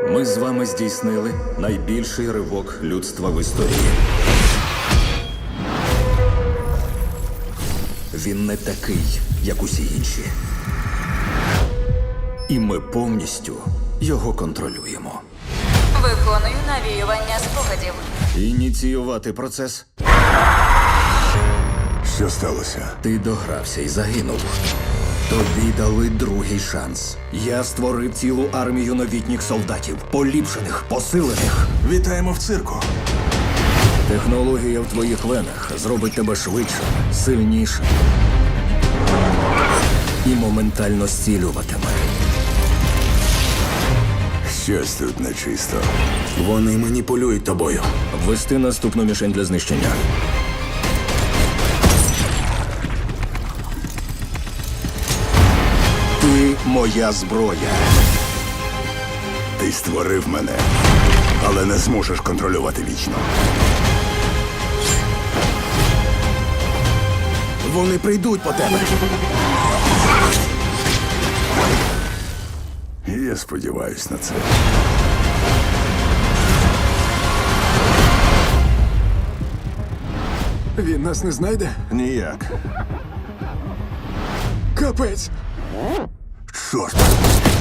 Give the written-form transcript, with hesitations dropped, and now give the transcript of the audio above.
Ми з вами здійснили найбільший ривок людства в історії. Він не такий, як усі інші. І ми повністю його контролюємо. Виконую навіювання спогадів. Ініціювати процес. Що сталося? Ти догрався і загинув. Тобі дали другий шанс. Я створив цілу армію новітніх солдатів. Поліпшених, посилених. Вітаємо в цирку. Технологія в твоїх венах зробить тебе швидшим, сильнішим. І моментально зцілюватиме. Щось тут нечисто. Вони маніпулюють тобою. Ввести наступну мішень для знищення. Ти моя зброя. Ти створив мене, але не зможеш контролювати вічно. Вони прийдуть по тебе. Я сподіваюсь на це. Він нас не знайде? Ніяк. Капець! Чорт.